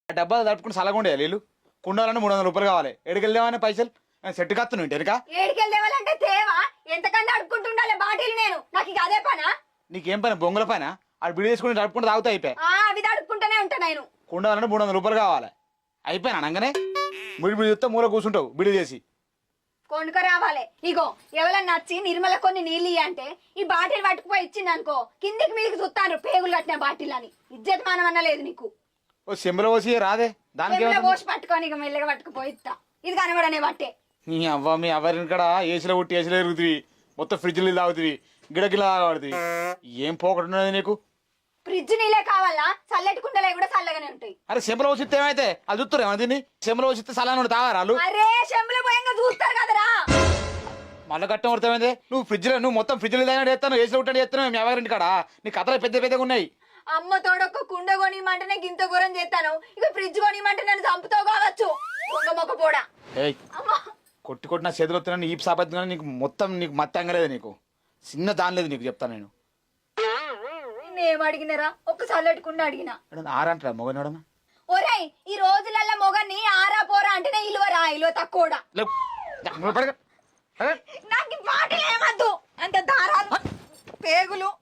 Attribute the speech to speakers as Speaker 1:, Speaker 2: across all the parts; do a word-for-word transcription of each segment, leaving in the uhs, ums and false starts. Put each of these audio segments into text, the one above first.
Speaker 1: డబ్బాలు తడుపుకుని సలగుండే నీళ్ళు కుండాలన్నా మూడు వందల రూపాయలు కావాలి ఎడికెళ్దామని పైసలు సెట్ కత్తును ఇంటెనక
Speaker 2: ఏడికెళ్ళేవాళ్ళంటే తేవా ఎంతకన్నా అడుక్కుంటుండాలి బాటిల్ నేను నాకు ఇక అదే పనా
Speaker 1: నీకేం పని బొంగుల పైన ఆడు బిడి తీసుకుని తడుపుకుంటే తాగుతా అయిపోయి
Speaker 2: ఆ అవి అడుక్కుంటూనే ఉంటా నేను
Speaker 1: కుండాలన్నా మూడు వందల రూపాయలు కావాలి అయిపోయినా అనగానే బిడి బిడి చూస్తే మూల కూర్చుంటావు బిడి చేసి
Speaker 2: కొనుక రావాలి ఇగో ఎవరన్నా నచ్చి నిర్మల కొన్ని నీళ్ళు అంటే ఈ బాటిల్ పట్టుకుపోయి ఇచ్చింది అనుకో కిందికి మీదకి చూస్తాను పేగులు కట్టిన బాటిల్ అని ఇజ్జత్ మానమన్నా లేదు నీకు
Speaker 1: ఓ సెంబులో పోసి రాదే దానికి
Speaker 2: పోసి పట్టుకొని ఇక మెల్లగా పట్టుకుపోయి ఇస్తా ఇది కనబడనే బట్టే
Speaker 1: నీ అవ్వ మీ ఎవరిని కూడా ఏసీలో కొట్టి ఏసీలో ఎరుగుతుంది మొత్తం ఫ్రిడ్జ్ నీళ్ళు తాగుతుంది గిడగిలా తాగుతుంది ఏం పోకట్టున్నది నీకు
Speaker 2: ఫ్రిడ్జ్ నీళ్ళే కావాలా చల్లటి కుండలే కూడా చల్లగానే ఉంటాయి
Speaker 1: అరే సెంబులో పోసిస్తే ఏమైతే అది చూస్తారు ఏమన్నా దీన్ని సెంబులో పోసిస్తే సలాను తాగారాలు
Speaker 2: అరే చెంబులో పోయంగా చూస్తారు కదరా
Speaker 1: మళ్ళీ కట్టం పడుతామైంది నువ్వు ఫ్రిడ్జ్ లో నువ్వు మొత్తం ఫ్రిడ్జ్ తాగినట్టు చేస్తాను ఏసీలో ఉంటాడు చేస్తున్నావు మీ ఎవరింటి కాడ నీ కథలు పెద్ద పెద్దగా ఉన్నాయి
Speaker 2: అమ్మ తోడొక్క కుండ కొనిమంటేనే గింత ఘోరం చేస్తాను ఇక ఫ్రిడ్జ్ కొనిమంటే నన్ను చంపుతావు కావచ్చు దొంగ మొక్క పోడా
Speaker 1: ఏయ్ కొట్టి కొట్టిన చేతులు వస్తున్నాను ఈ సాపత్తుగా నీకు మొత్తం నీకు మత్త అంగలేదు నీకు చిన్న దాని లేదు నీకు చెప్తాను నేను
Speaker 2: నేనేం అడిగినారా ఒక్క చల్లటి కుండ అడిగినా
Speaker 1: ఆరంటారా మొగనోడనా
Speaker 2: ఒరేయ్ ఈ రోజులల్ల మొగని ఆరా పోరా అంటేనే ఇలువరా ఇలువ తక్కువడా నాకు ఈ మాటలు ఏమద్దు అంత దారాలు పేగులు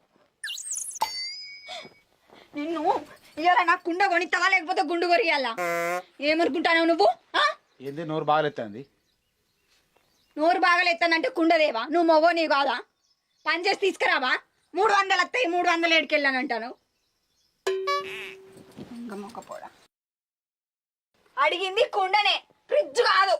Speaker 2: నిన్ను ఇవాళ నాకు కుండ కొనిస్తావా లేకపోతే గుండు కొరియాలా ఏమనుకుంటావు నువ్వు
Speaker 1: ఏంది నోరు బాగాలేస్తుంది
Speaker 2: నోరు బాగాలేస్తానంటే కుండదేవా నువ్వు మొగో నీ కాదా పని చేసి తీసుకురావా మూడు వందలు వస్తాయి మూడు వందలు ఏడుకెళ్ళానంటాను మొక్కపోడా అడిగింది కుండనే ఫ్రిడ్జ్ కాదు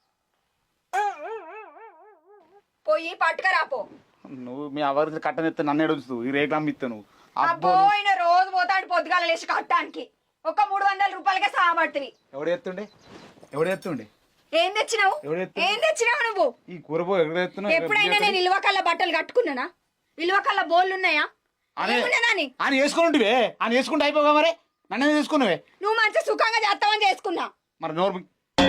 Speaker 2: పోయి పట్టుకరాపో
Speaker 1: నువ్వు మీ ఎవరి కట్టనిస్తే నన్ను ఎడుస్తూ ఈ రేఖలు ఇస్తా నువ్వు
Speaker 2: పోయిన రోజు పోతాడు పొద్దుగాల లేచి కట్టడానికి ఒక మూడు వందల రూపాయలకే సాగబడుతుంది
Speaker 1: ఎవడు ఎత్తుండే ఎవడు ఎత్తుండే
Speaker 2: ఏం తెచ్చినావు ఏం తెచ్చినావు నువ్వు
Speaker 1: ఈ కూరబో ఎక్కడ
Speaker 2: ఎప్పుడైనా నేను ఇల్వకల్ల బట్టలు కట్టుకున్నానా ఇల్వకల్ల బోళ్ళు ఉన్నాయా
Speaker 1: ఆయన వేసుకుంటుంటివే ఆయన వేసుకుంటే అయిపోగా మరి నన్నే తీసుకున్నావే
Speaker 2: నువ్వు మంచి సుఖంగా చేస్తావని చేసుకున్నా
Speaker 1: మరి నోరు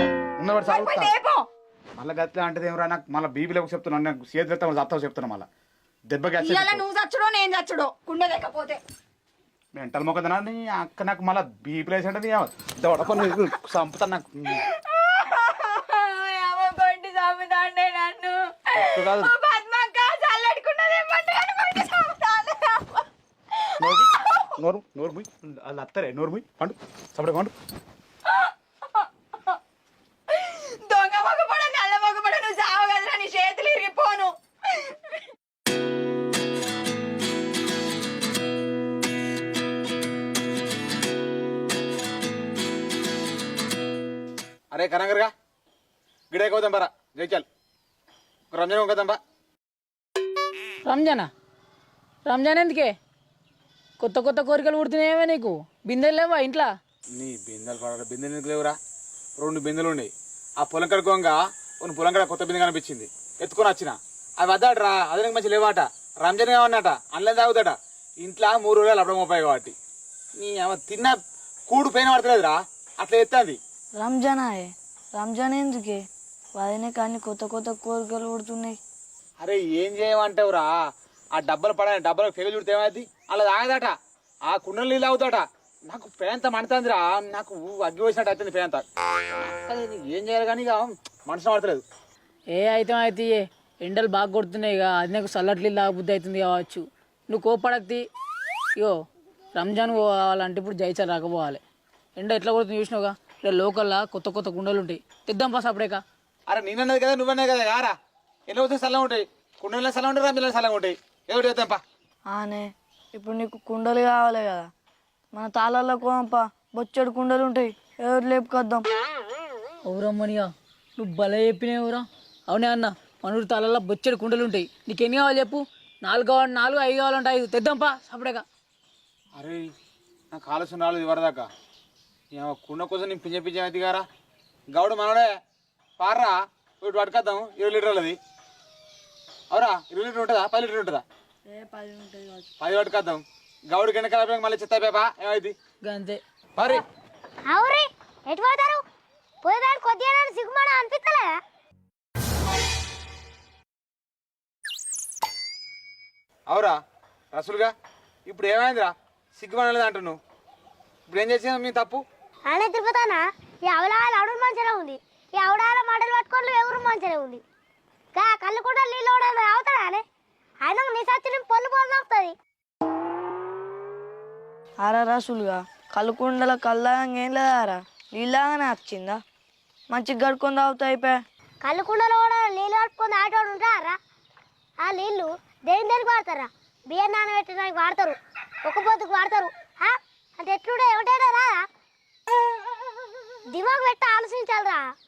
Speaker 1: మళ్ళీ గట్లా అంటే ఏమరా నాకు మళ్ళీ బీబీలోకి చెప్తున్నాను నాకు చేతి చెప్తావు చెప్తున్నా మళ్ళీ దెబ్బకి
Speaker 2: నువ్వు చచ్చుడో నేను చచ్చుడో కుండ లేకపోతే
Speaker 1: మెంటల్ మొక్కదనా అక్క నాకు మళ్ళీ బీపీ లేసి అంటే దొడపని చంపుతాను నాకు
Speaker 2: కొట్టి చంపుతాండే నన్ను
Speaker 1: నోరు నోరు ముయ్ వాళ్ళు అత్తరే నోరు ముయ్ పండు చప్పడే పండు
Speaker 2: దొంగ మొగపడ నల్ల మొగపడ నువ్వు సావు కదరా నీ చేతులు ఇరిగిపోను
Speaker 1: అరే కనంగర్గా గిడే కోదాం బరా జైచాల్ రంజాన్ కోదాం బా
Speaker 3: రంజానా రంజాన్ ఎందుకే కొత్త కొత్త కోరికలు పుడుతున్నాయేమో నీకు బిందెలు లేవా ఇంట్లో
Speaker 1: నీ బిందెలు పడ బిందెలు ఎందుకు లేవురా రెండు బిందెలు ఉన్నాయి ఆ పొలం కడుకోగా కొన్ని పొలం కడ కొత్త బిందె కనిపించింది ఎత్తుకొని వచ్చిన అవి వద్దాడరా అదే నీకు మంచి లేవాట రంజాన్ కావన్నట అందులో తాగుతాడ ఇంట్లో మూడు రోజులు అప్పుడు ముప్పై కాబట్టి నీ తిన్న కూడు పైన పడతలేదురా అట్లా ఎత్తాది
Speaker 4: రంజానా రంజాన్ ఎందుకే వాదనే కానీ కొత్త కొత్త కోరికలు పుడుతున్నాయి
Speaker 1: అరే ఏం చేయమంటావురా ఆ డబ్బలు పడ డబ్బలకు పెగలు చుడితే ఏమైంది అలా తాగదట ఆ కుండలు నీళ్ళు తాగుతాట నాకు పేంత మండుతుందిరా నాకు అగ్గి వేసినట్టు అవుతుంది పేంత ఏం చేయాలి కానీ ఇక మనసు పడతలేదు
Speaker 3: ఏ అయితే అయితే ఎండలు బాగా కొడుతున్నాయి ఇక అది నాకు చల్లట్లు తాగబుద్ధి అవుతుంది కావచ్చు నువ్వు కోపడద్ది ఇగో రంజాన్ పోవాలంటే ఇప్పుడు జైచాలు రాకపోవాలి ఎండ ఎట్లా కొడుతుంది చూసినావుగా ఇక్కడ లోకల్లా కొత్త కొత్త కుండలు ఉంటాయి తెద్దాం పాస్ అప్పుడేక
Speaker 1: అరే నేనన్నది కదా నువ్వన్నది కదా యారా ఎన్ని వస్తే చల్లగా ఉంటాయి కుండలో చల్లగా ఉంటాయి రంజాన్లో చల్లగా ఉంటాయి ఏమిటి చేద్దాంపా
Speaker 4: ఆనే ఇప్పుడు నీకు కుండలు కావాలి కదా మన తాళాల్లో కోంపా బొచ్చడు కుండలు ఉంటాయి ఎవరు లేపుకొద్దాం
Speaker 3: అవురమ్మనియా నువ్వు భలే చెప్పినావురా అవునే అన్న మన ఊరి తాళాల్లో బొచ్చడు కుండలు ఉంటాయి నీకు ఎన్ని కావాలి చెప్పు నాలుగు కావాలి నాలుగు ఐదు కావాలంటే ఐదు తెద్దాంపా అప్పుడేక
Speaker 1: అరే నాకు ఆలోచన రాలేదు వరదాకా కుండ కోసం నేను పింజ పింజ అయితే గారా గౌడు మనోడే పార్రా వీటి పట్టుకొద్దాం ఇరవై లీటర్లు అది అవురా ఇరవై లీటర్ ఉంటుందా పది లీటర్ ఉంటుందా పది పట్టుకొద్దాం గౌడు కింద కలిపి మళ్ళీ చెత్త పేపా ఏమైంది
Speaker 3: అంతే
Speaker 1: మరి
Speaker 5: అవురే ఎటు పోతారు పోయేదాన్ని కొద్దిగా సిగ్గుమాడ అనిపిస్తలేదా
Speaker 1: అవురా రసులుగా ఇప్పుడు ఏమైందిరా సిగ్గుపడలేదు అంటున్నావు ఇప్పుడు ఏం చేసినా మీ తప్పు
Speaker 5: ఆనే తిరుపతానా ఈ అవలాల అడుగు మంచిగా ఉంది ఈ అవడాల మాటలు పట్టుకోవడం ఎవరు మంచిగా ఉంది కా కళ్ళు కూడా నీళ్ళు అవుతాడానే ఆయన నీ సచ్చిన పొల్లు పొల్లు అవుతుంది
Speaker 4: ఆరా రాసులుగా కళ్ళకుండల కళ్ళగా ఏం లేదారా నీళ్ళగానే వచ్చిందా మంచిగా గడుకొని తాగుతా అయిపోయా
Speaker 5: కళ్ళు కుండలో కూడా నీళ్ళు కట్టుకొని ఆటోడు ఉంటారా ఆ నీళ్ళు దేని దేనికి వాడతారా బియ్యం నానబెట్టడానికి వాడతారు ఒక పొద్దుకు వాడతారు అంటే ఎట్లుండే ఏమిటైనా రాదా దిమాగ్ పెట్టి ఆలోచించాలరా